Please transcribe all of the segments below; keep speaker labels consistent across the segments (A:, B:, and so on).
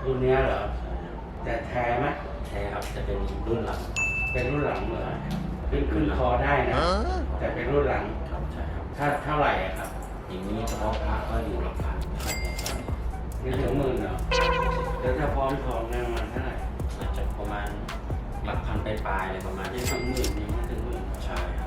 A: รุ่นเนี้ยเหรอ
B: ใช่ครับ
A: แต่แท้ไหม
B: แท้ครับจะเป็นรุ่นหลัง
A: เป็นรุ่นหลังเหรอขึ้นคอได้นะ แต่เป็นรุ่นหลัง
B: ครับใช่ครับ
A: ถ้าเท่าไหร่อะครับ
B: อย่างนี้เฉพาะพระก็อยู่หลักพันครับแท้
A: ไม่ถึงหมื่นเหรอแล้วถ้าพร้อมทองเนี่ยมันเท่าไหร่
B: อาจจะประมาณหลักพันปลายๆอะไรประมาณ
A: ไม่
B: นี้ค
A: ถึ
B: รับ
A: งหมื่นยังไม่ถึงหมื่น
B: ใช่ครับ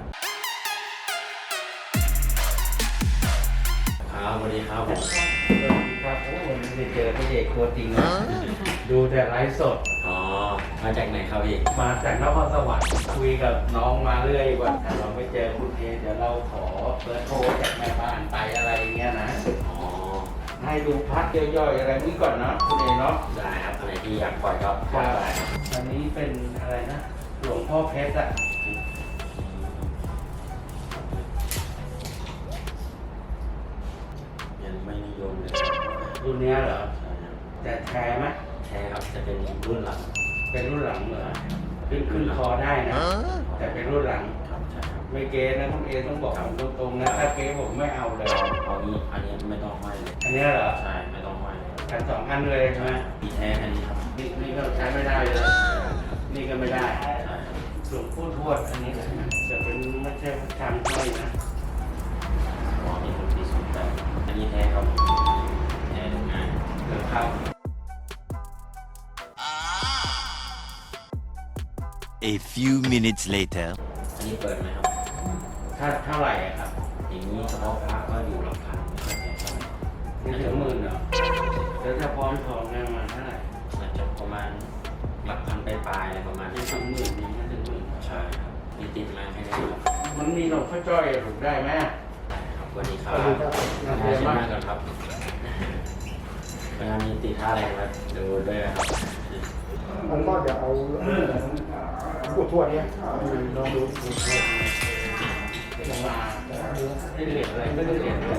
B: ครับสวัสดีครับผม
A: สวัสดีครับโอ้วันนี้ได้เจอพระเอกตัวจริงนะดูแต่ไลฟ์สด
B: อ๋อมาจากไหนครับพี่
A: มาจากนครสวรรค์คุยกับน้องมาเรื่อยว่าถ้าเราไม่เจอคุณเอเดี๋ยวเราขอเบอร์โทรจากแม่บ้านไปอะไรอย่างเงี้ยนะ
B: อ๋อ
A: ให้ดูพัดย่อยๆอะไรนี้ก่อนเนาะคุณเอเนาะ
B: ได้ครับอะไรที่อยากปล่อยก็ปล่อยได้ครับ
A: อันนี้เป็นอะไรนะหลวงพ่อเพชรอะ
B: ยังไม่นิยมเลย
A: รุ่นเนี้ยเหรอ
B: ใช่ครับ
A: แต่แท้ไหม
B: แท้ครับจะเป็นรุ่นหลัง
A: เป็นรุ่นหลังเหรอขึ้นคอได้นะ แต่เป็นรุ่นหลัง
B: ครับใช่ครับ
A: ไม่เก๊นะคุณเอต้องบอกผมตรงๆนะถ้าเก๊ผมไม่เอาเลย
B: เอานี้อันนี้ไม่ต้องห้อยเลย
A: อันเนี้ยเหรอ
B: ใช่ไม่ต้องห้อย
A: กันสองอันเลยใช่ไหม
B: มีแท้อันนี้ครับ
A: นี่ก็ใช้ไม่ได้เลย นี่ก็ไม่ได้
B: ใช่ครับ
A: หลวงพ่อทวดอันนี้แหละจะเป็นไม่ใช่พระชามห้อยนะ
B: อ๋อนี่เป็นปีศูนย์แปดอันนี้แท้ครับแท้ดูง่าย
A: เกิดครับ
C: A few minutes later.
B: อันนี้เปิดไหมครับ
A: ถ้าเท่าไหร่อะครับ
B: อย่างนี้เฉพาะพระก็อยู่หลักพันครับแท้ครับ
A: ไม่ถึงหมื่นเหรอแล้วถ้าพร้อมทองเนี่ยมันเท่าไหร่
B: อาจจะประมาณหลักพันปลายๆอะไรประมาณ
A: ไม่
B: นี้ค
A: ถึ
B: รับ
A: งหมื่นยังไม่ถึงหมื่น
B: ใช่ครับมีติดมาให้ได้ครับ
A: มันมีหลวงพ่อจ้อยถูกได้ไหม
B: ได้ครับสวัสดีครับ
A: สวัสดีครับ
B: น่าเชื่อมากกันครับเวลามีติดท่าอะไรมาดูด้วยนะครับ
D: มันก็เดี๋ยวเอาผู้ทวดเนี่ยลองดู
A: เป็นมาได้เหรียญอะไรไม่ได้เหรียญเลย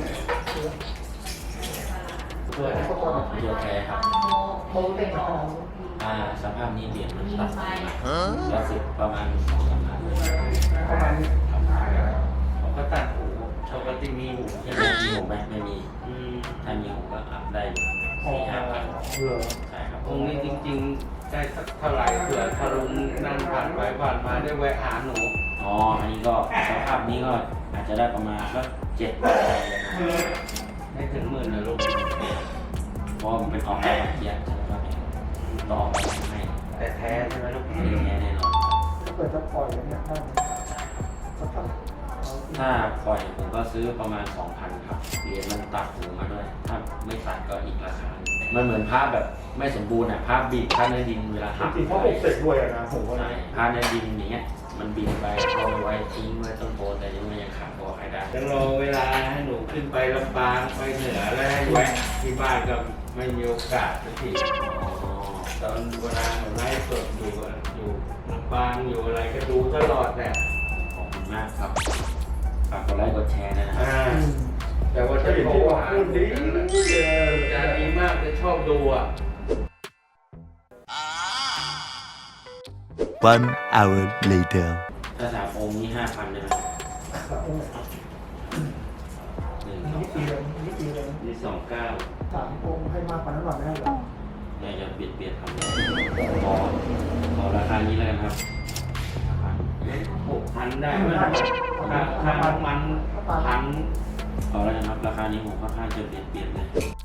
A: เพื่อ
D: เขาก่อน
B: เยอะแท้ครับ
D: เขาเล่นของ
B: สภาพนี้เหรียญมันตัดละสิบประมาณ2-3 พัน
D: ประมาณนี้
B: ครับ
A: เขาก็ตัดหูปกติมีหู
B: ยังไม่มีหูไหมไม่มี
A: อืม
B: ถ้ามีหูก็อัพได้อยู่
D: อ๋อ
B: 4-5 พัน
D: เหรอ
B: ใช่ครับ
A: องค์นี้จริงๆได้สักเท่าไหร่เผื่อถ้าลุงนั่งผ่านไปผ่านมาได้แวะหาหนู
B: อ๋ออันนี้ก็สภาพนี้ก็อาจจะได้ประมาณสัก7 พันเลยนะ
A: ไม่ถึงหมื่นนะลูก
B: เพราะมันเป็นของได้มาเทียบใช่ไหมครับต่อไปให้
A: แต่แท้ใช่ไหมลูก
B: ไม่ได้แท้แน่นอนครับ
D: ถ้าเกิดจะปล่อยเนี่ยได้ไหมสักเท่าไหร่
B: ถ้าปล่อยผมก็ซื้อประมาณ 2,000 ครับเหรียญมันตัดหูมาด้วย ถ้าไม่ตัดก็อีกราคาหนึ่งมันเหมือนภาพแบบไม่สมบูรณ์อ่ะภาพบีบภาพในดินเวลาหัก
D: จริงๆเพราะปกเสกด้วยอะนะผมว่า
B: ใช่ภาพในดินอย่างเงี้ยมันบีบไปเอาไว้ทิ้งไว้ต้นโพแต่นี่มันยังขาดพอให้ได้
A: จะรอเวลาให้หนูขึ้นไปลำปางไปเหนือแล้วให้แวะที่บ้านก็ไม่มีโอกาสสักที
B: อ๋อ
A: ตอนเวลาหนูไลฟ์สดอยู่ลำปางอยู่อะไรก็ดูตลอดเนี่ย
B: ขอบคุณมากครับฝากกดไลค์กดแชร์ด้วยนะครับ
D: อืม
A: แต่ว่า
D: จะ
A: จะ
D: เห็น
A: โทร
D: ที่ว่า
A: หา
D: พูดดี
A: จะดีมากจะชอบดูอ่ะ
C: 1 hour later.
B: ถ้า3 องค์นี่ 5,000ได้ไหมหนึ่งสอง
D: นี่ปีเลยนี่ปีเลย
A: นี่29
D: 3 องค์ให้มากกว่านั้นหน่อยไม่ได้หรอ
B: เนี่ยจะเบียดครับขอราคานี้แล้วกันครับ5,000
A: 6,000ได้ไหมค่าน้ำมันพัน
B: ขอแล้วกันครับราคานี้ผมค่อนข้างจะเบียดเลย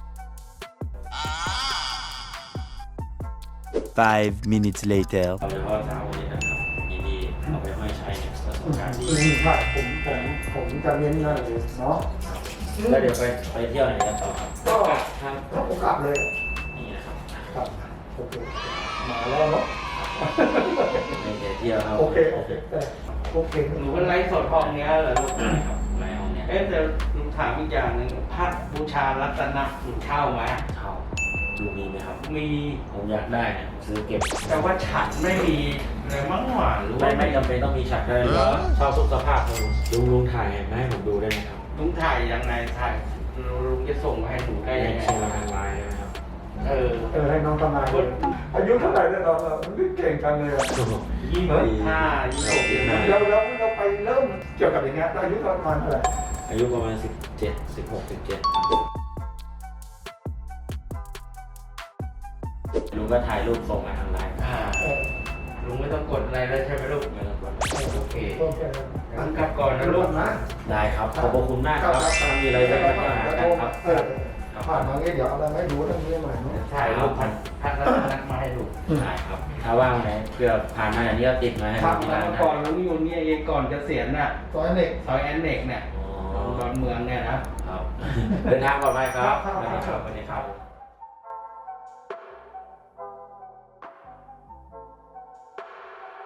C: 5 minutes later.
B: เอาเฉพาะสาวนี้นะครับดีๆเอาไปห้อยใช้เนี่ยประสบการณ์ดี
D: ใช่ผมจะเน้นนั่นเลยเนาะ
B: แล้วเดี๋ยวไปเที่ยวไหนกันต่อครับ
D: ก็
A: ครับ
D: ถ้าผมกลับเลย
B: นี่นะครับ
D: ครับโอเคมาแล้วเนาะ
B: ไม่ใช่เที่ยวครับ
D: โอเคโอเคโอเค
A: หนูก็ไลฟ์สดห้องเนี้ยเหรอลูก
B: ครับไรห้องเนี่ย
A: เอ๊ะแต่ลุงถามอีกอย่างหนึ่งพัดบูชารัตนะหนูเช่าไหม
B: เช่าดูมีไหมครับ
A: มี
B: ผมอยากได้เนี่ยผมซื้อเก็บ
A: แต่ว่าฉันไม่มีเลยมั้งหวานหรือว่า
B: ไม่จำเป็นต้องมีฉากได้เลยเช่าทุกสภาพครับลุงถ่ายมาให้ผมดูได้ไหมครับ
A: ลุงถ่ายยังไงถ่ายลุงจะส่งมาให้หนูได้ยังไง
B: เชียร์ทางไลน์นะครับ
D: ให้น้องทำงานอายุเท่าไหร่เนี่ยเราเก่งกันเลยอะ
A: 25 26ยังไง
D: แล้วเราไปเริ่มเกี่ยวกับอย่างเงี้ยอายุประมาณเท่าไหร่
B: อายุประมาณ17 16 17 ลุงก็ถ่ายรูปส่งมาทางไลน์
D: เออ
A: ลุงไม่ต้องกดอะไรแล้วใช่ไหมลูก
B: ไม่ต้องกด
A: โอเค
D: ต้นแค่นั้น
A: งั้นกลับก่อนนะลูก
D: นะ
B: ได้ครับขอบพระคุณมากครับถ้ามีอะไรจะมาหากันครับ
D: ผ่านมาเงี้ยเดี๋ยวเอาอะไรไม่รู้เรื่องนี้ใหม่เนาะ
A: ถ่ายรูปพักแล้วนัดมาให้ดู
B: ได้ครับ ถ้าว่างไหนเพื่อผ่านมาอย่างนี้ก็ติดมาให้
A: พัก
B: ที่
A: มา
B: ร้านได้
A: ก่อนลุงอยู่เนี่ยเองก่อนเกษียณน่ะ
D: ซอยเด็ก
A: ซอยแอนเน็กเนี่ย
B: อ๋อ
A: ดอนเมืองเนี่ยนะ
B: ครับ เดินทางปลอดภัยครับ
D: ครับ
B: สวัสดีครับ